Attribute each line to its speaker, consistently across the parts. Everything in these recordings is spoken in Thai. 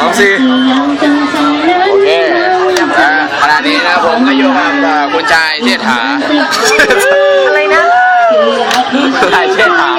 Speaker 1: โอเคขณะนี้นะผมก็อยู่กับคุณชายเชษฐา
Speaker 2: อะไรนะ
Speaker 1: ชายเชษฐา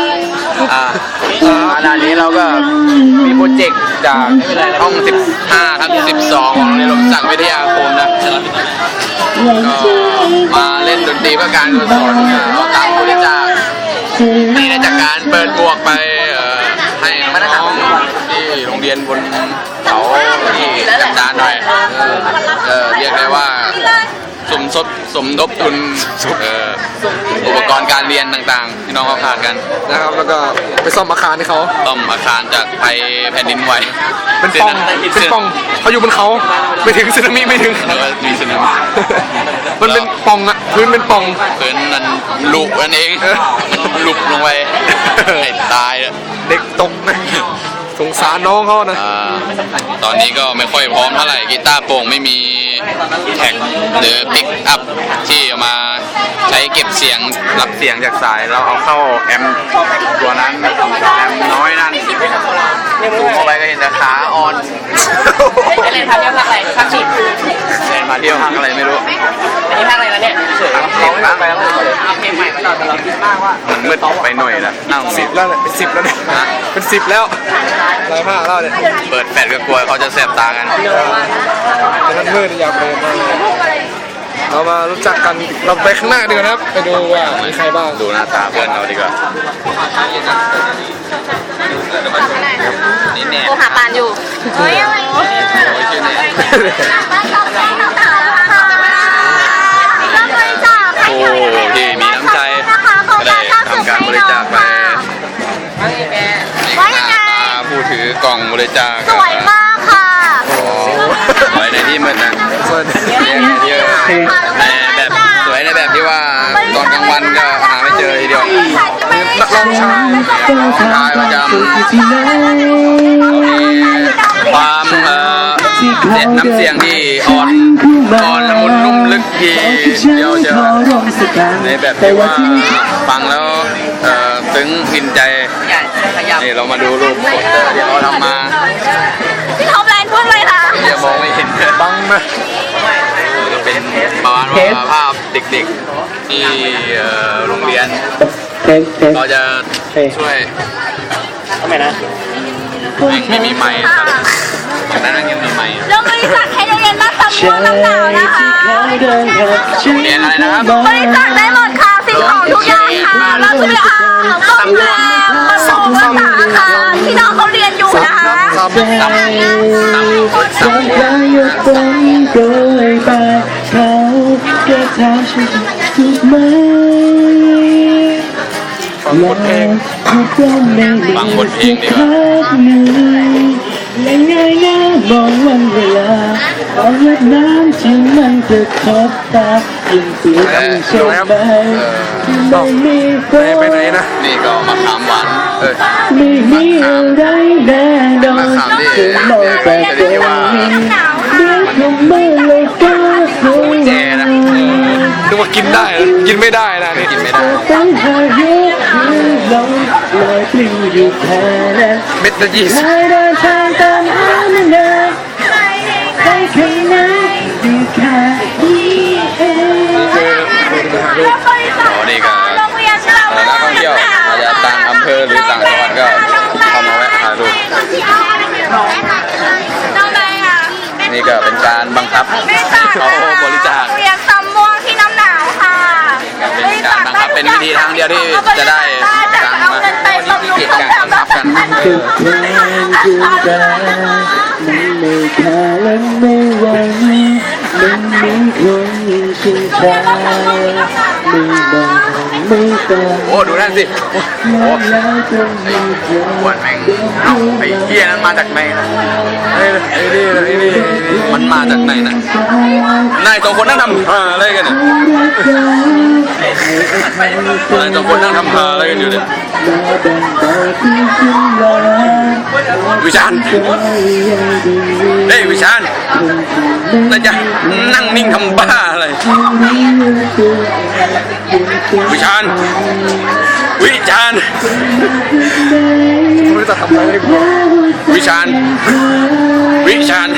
Speaker 1: ขณะนี้เราก็มีโปรเจกต์จากห้อง15ครับ12ของโรงเรียนลมศักดิ์วิทยาคมนะก็มาเล่นดนตรีเพื่อการกุศลเอาตังค์บริจาคนี่ได้จากการเปิดบวกไปให้น้องๆที่โรงเรียนบนเขาที่จัดการหน่อยเรียกได้ว่าสมทบทุนอุปกรณ์การเรียนต่างๆที่น้องเขาขาดกัน
Speaker 3: นะครับแล้วก็ไปซ่อมอาคารให้เขา
Speaker 1: ซ่อมอาคารจากภัยแผ่นดินไหว
Speaker 3: เป็นป่องเขาอยู่บนเขาไม่ถึงสึนามิไม่ถึง
Speaker 1: แล้วก็มีสึนามิ
Speaker 3: มันเป็นป่องอะพื้นเป็นป่อง
Speaker 1: พื้นนั้นลุกนั่นเองลุกลงไปให้ตาย
Speaker 3: เด็กตกนะสงสารน้องเขานะ
Speaker 1: ตอนนี้ก็ไม่ค่อยพร้อมเท่าไหร่กีตาร์โปร่งไม่มีแท็กหรือปิกอัพที่เอามาใช้เก็บเสียงรับเสียงจากสายเราเอาเข้าแอมตัวนั้นแอมน้อยนั่นดูเข้าไปก็เห็นแต่ขาอ่อน
Speaker 2: เล่นพักเที่ยวพักอะไรพักฉีด
Speaker 1: เล่นมาเที่ยวพักอะไรไม่รู้
Speaker 2: อันนี้พักอะไรแล้วเนี่ย
Speaker 1: เพลงบ้าง
Speaker 2: เอาเพลงใหม่มาหน่อยแต่เราคิดมากว่า
Speaker 1: มันมืดไปหน่อยแล้วนั่ง
Speaker 3: 10แล้วเป็น10แล้วเนี่ยเป็น10แล้วอะไรมากแล้วเนี่ย
Speaker 1: เปิดแฟลชก็กลัวเขาจะแสบตากัน
Speaker 3: แต่นั้นมืดอยากไปมากเรามารู้จักกันเราไปข้างหน้าดีกว่าครับไปดูว่ามีใครบ้าง
Speaker 1: ดูหน้าตาเพื่อนเราดีกว่านี่แน่
Speaker 2: โทรหาปานอยู่เฮ้ยอะไร
Speaker 1: ชื่อแน่โอ้ที่มีน้ำใจก็ได้ทำการบริจาคไป
Speaker 2: ว่ายังไง
Speaker 1: ผู้ถือกล่องบริจาค
Speaker 2: สวยมากค่ะ
Speaker 1: สวยในที่มืดนะสวยในแบบที่ว่าตอนกลางวันก็หาไม่เจอทีเดียว
Speaker 3: นักร้องชาย
Speaker 1: ประจำความเด็ดน้ำเสียงที่อ่อนละมุนนุ่มลึกทีเดียวเจอในแบบที่ว่าฟังแล้วซึ้งกินใจนี่เรามาดูรูปโปสเตอร์ที่เขาทำมา
Speaker 2: พี่ท็อปไลน์พูดเลยค่ะ
Speaker 1: อย่ามองไม่เห็น
Speaker 3: บังนะ
Speaker 1: เป็นประมาณว่าภาพเด็กๆที่โรงเรียนเราจะช่วย
Speaker 2: ทำไมนะ
Speaker 1: ไม่มีไมค์จากนั้นยังมีไมค์
Speaker 2: เราบริจาคให้โรงเรียนบ้านตำม่วงน้ำหนาวนะคะ
Speaker 1: เรียนอะไรนะครับ
Speaker 2: บริจาคได้หมดค่ะสิ่งของทุกอย่างค่ะเราช่วยซ่อมแซมบำรุงรักษาอาคารที่น้องเขาเรียนอยู่นะคะ
Speaker 3: บทเพลง
Speaker 1: ฟังบทเพลงดีกว่า
Speaker 4: และง่ายง่ายมองวันเวลาเอาเล็บน้ำที่มันกระทบตายิ่งเปลี่ยนยิ่งเชื่อไปไม่มี
Speaker 3: ไปไหนนะ
Speaker 1: นี่ก็มะขามหวาน
Speaker 4: ไม่มีอะไรแน่นอนถึงมองแต่ตรงนี้เดี๋ยวคงไม่เลยก็คง
Speaker 1: แย่นะ
Speaker 3: นึกว่ากินได้กินไม่ได้นะนี่
Speaker 1: กินไม่ได้
Speaker 4: ต้องหาเยอะลงลอยปลิวอยู่แค่นั้น
Speaker 3: เม็ดละ20
Speaker 4: เดินทางตามหาเงินได้แค่ไหนดีแค่นี้เอง
Speaker 1: นี่ก็นักท่องเที่ยวอาจจะต่างอำเภอหรือต่างจังหวัดก็เข้ามาแวะถ่ายรูปนี่ก็เป็นการบังคับเขาบริจาค
Speaker 2: เรียนตำม่วงที่น้ำหนาวค่ะ
Speaker 1: เป็นการบังคับเป็นวิธีทางเดียวที่จะได้ตังค์มากิจการบังคับกัน
Speaker 4: คือเพลงคือการมันไม่ค่าและไม่หวังมันมีคนชิงชาไม่บอกไม่ฟัง
Speaker 1: โอ้ดูนั่นสิโอ้ปวดแม่งไอ้เหี้ยนั้นมาจากไหนนะ
Speaker 3: ไอ้นี่
Speaker 1: มันมาจากไหนนะนายสองคนนั่งทำอะไรกันเนี่ยนายสองคนนั่งทำอะไรกันอยู่เนี่ยวิชาญเฮ้ยวิชาญน่าจะนั่งนิ่งทำบ้าอะไรวิชาญ
Speaker 3: ไม่รู้จะทำอะไร
Speaker 1: วิชาญ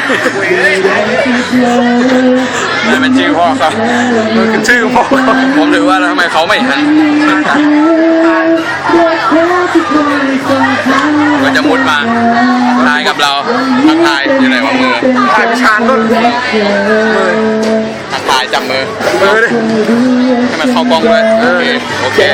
Speaker 1: นี่เป็นชื่อพ่อครับ
Speaker 3: มันคือชื่อพ่อเขา
Speaker 1: ผมถือว่าแล้วทำไมเขาไม่หันก็จะมุดมาทายกับเราทักทายอยู่ไหนวะมือ
Speaker 3: ถ่ายพิชานนู่น
Speaker 1: ทักทายจับมือ
Speaker 3: มือดิ
Speaker 1: ให้มันเข้ากล้องด้วยโอเค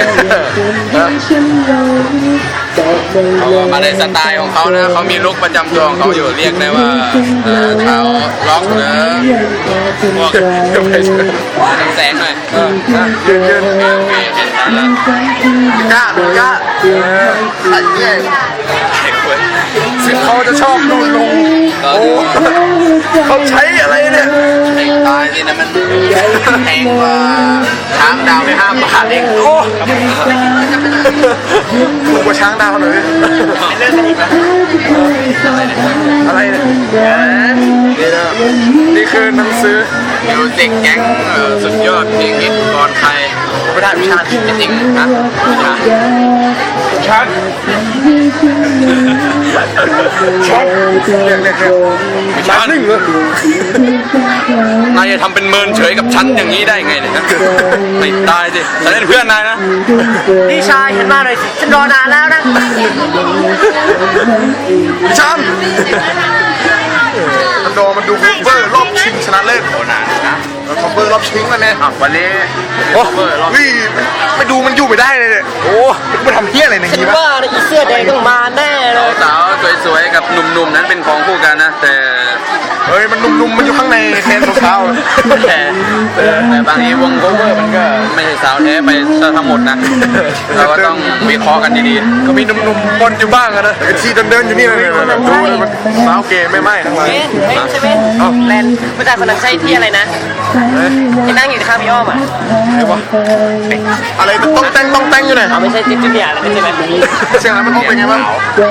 Speaker 1: เขาก็มาในสไตล์ของเขานะเขามีลุคประจำตัวของเขาอยู่เรียกได้ว่าเท้าล็อกหรือพวกน้ำแสงหน่อย
Speaker 3: ยืน
Speaker 1: โอเคเห็นชัดแล้ว
Speaker 3: กล้ากล้าไอ้เนี่ยสิเขาจะชอบดูลงโอ้เขาใช้อะไรเนี่ย
Speaker 1: ตายสินะมันแพงกว่าช้างดาวไป5 บาทเอง
Speaker 3: โอ้ถูกกว่าช้างดาวหน่อยอะไรเนี่ยนี่คือหนังสือ
Speaker 1: มิวสิกแก๊งสุดยอดเพลงฮิตก่อนใคร
Speaker 3: ไม่ได้พิชาน
Speaker 1: จริงๆนะไม่ใช่
Speaker 3: ชันเรียกชันหนึ่งเลย
Speaker 1: นายจะทำเป็นเมินเฉยกับฉันอย่างนี้ได้ไงเนี่ยนะไม่ตายสิฉันเป็นเพื่อนนายนะ
Speaker 2: พี่ชายเห็นมาหน่อยสิฉันรอนานแล้วนะ
Speaker 3: ชันมันดูคัฟเวอร์รอบชิงชนะเลิศ
Speaker 1: โอ้นานนะ
Speaker 3: คัฟเวอร์รอบชิงแล้วเนี่ย
Speaker 1: วันนี้
Speaker 3: โอ้วิ่ไม่ดูมันอยู่ไม่ได้เลยเนี่ยโอ้มันทำเพี้ยอะไรในนี้วะ
Speaker 2: ว่าอีเสื้อแดงต้องมาแน่เลย
Speaker 1: สาวสวยๆกับหนุ่มๆนั้นเป็นของคู่กันนะแต่
Speaker 3: เฮ้ยมันนุ่มๆมันอยู่ข้างในแทนรองเท้า
Speaker 1: แต่บางทีวงโคเวอร์มันก็ไม่ใช่สาวแท้ไปซะทั้งหมดนะเราก็ต้องวิเคราะห์กันดีๆ
Speaker 3: ก็มีหนุ่มๆบนอยู่บ้างอะนะไอ้ที่เดินอยู่นี่เลยดูเลยมันสาวเกย์ไม่ไหม้ทั้งหลาย
Speaker 2: เฮ้ยใช่ไหมแลนผู้ชายคนนั้นใช่ที่อะไรนะที่นั่งอยู่ข้างพี่อ้อมอ่ะ
Speaker 3: ไอ้วะอะไรต้องแต่งอยู่ไหน
Speaker 2: เอาไม่ใช่จิ๊บจิ๊บอะไรใช่ไหม
Speaker 3: เสียงอะไรมันต้องเป็นไงบ้าง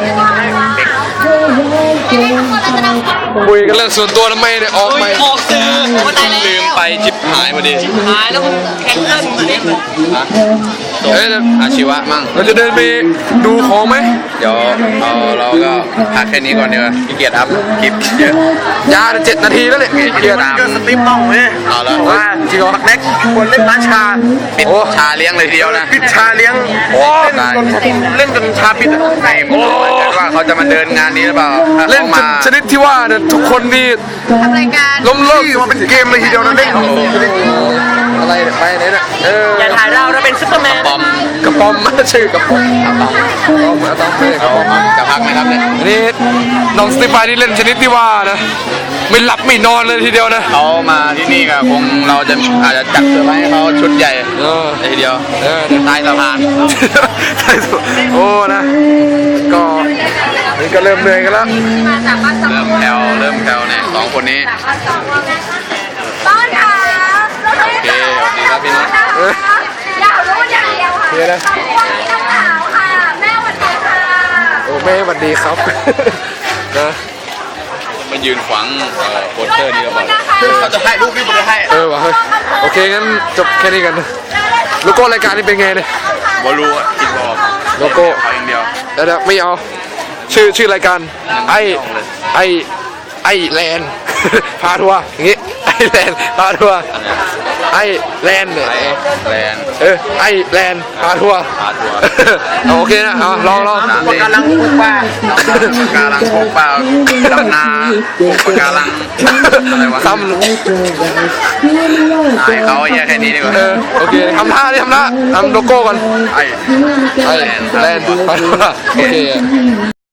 Speaker 3: คุยกันเรื่องส่วนตัวทำไมเนี่ยออกไหม
Speaker 2: ออกสื่อวันไหนแล้ว
Speaker 1: ลืมไปจิบหายพอดี
Speaker 2: หายแล้วแข่งขันเล่น
Speaker 3: เฮ้ย
Speaker 1: อาชีวะมั่ง
Speaker 3: เราจะเดินไปดูของไหม
Speaker 1: เดี๋ยวเราก็พักแค่นี้ก่อนดีกว่าขี้เกียจอัพคลิปเยอะ
Speaker 3: ยา7 นาทีแล้วเนี่ยเกียร์
Speaker 1: ก็สตรีมบ้องเลยเอาแล้ว
Speaker 3: ว่าจริงเหรอแน็กควรเล่นร้านชา
Speaker 1: ปิดชาเลี้ยงเลยทีเดียวนะ
Speaker 3: ปิดชาเลี้ยงเล่นจนชาปิด
Speaker 1: ใช่ผมว่าเขาจะมาเดินงานนี้หรือเปล่าถ้า
Speaker 3: เล่น
Speaker 1: เขา
Speaker 3: จ
Speaker 1: มาน
Speaker 3: ชนิดที่ว่าเนี่ยทุกคนนี่
Speaker 2: ทำรายการ
Speaker 3: ล้มเลิกมาเป็นเกมเลยทีเดียวนะเล่นอะไรเนี่ยไปไหนเนี่ย
Speaker 2: อย่าถ่ายเราเป็นซุปเปอร์แมน
Speaker 1: ปอม
Speaker 3: กระป๋อมชื่อกระป๋อมต้องไม่กระป๋อม
Speaker 1: จะพักไหมครับเนี่ย
Speaker 3: อันนี้น้องสตีฟานนี่เล่นชนิดที่ว่านะไม่หลับไม่นอนเลยทีเดียวนะ
Speaker 1: เขามาที่นี่ก็คงเราจะอาจจะจัดเซอร์ไพรส์ให้เขาชุดใหญ่เลยทีเดียวใต้สะพาน
Speaker 3: ใช่สุดโอ้นะก็นี่ก็เริ่มเหนื่อยกันแล้ว
Speaker 1: เริ่มแผ่วเนี่ยสองคนนี้
Speaker 2: ต้อนค่ะเราทำ
Speaker 1: โอเคครับพี่น้อง
Speaker 2: อยากรู้อย่างเดียวค่ะ
Speaker 3: เดี๋ยวนะ
Speaker 2: วันนี้น้ำขาวค่ะ แม่วันนี้ค่ะ
Speaker 3: โอ้แม่สวัสดีครับนะ
Speaker 1: มายืนขวางโปสเตอร์นี่หรือเปล่า
Speaker 2: เขาจะให้ลูกพี่ผมจะให้
Speaker 3: วะเฮ้ยโอเคงั้นจบแค่นี้กันโลโก้รายการนี้เป็นไงเนี่ย
Speaker 1: บอลูคิดบอก
Speaker 3: โลโก้
Speaker 1: เขาอย่างเดียว
Speaker 3: เดี๋ยวไม่เอาชื่อรายการไอแลนด์ พาทัวร์อย่างงี้ไอแลนด์พาทัวร์ไอแลนด์เนี่ย
Speaker 1: ไอแลนด์
Speaker 3: ไอแลนด์พาทัวร์
Speaker 1: พาทัวร์
Speaker 3: โอเคนะเอาลอง
Speaker 1: ปะการังปลูกป่าปะการังปลูกป่าดำนาปลูกปะการังอะไรวะ
Speaker 3: ท
Speaker 1: ให้เขาแยกแค่นี้ดีกว่า
Speaker 3: ำโอเคทำท่าทำโลโก้ก่อน
Speaker 1: ไอ
Speaker 3: ไอแลนด์พาทัวร์โอเค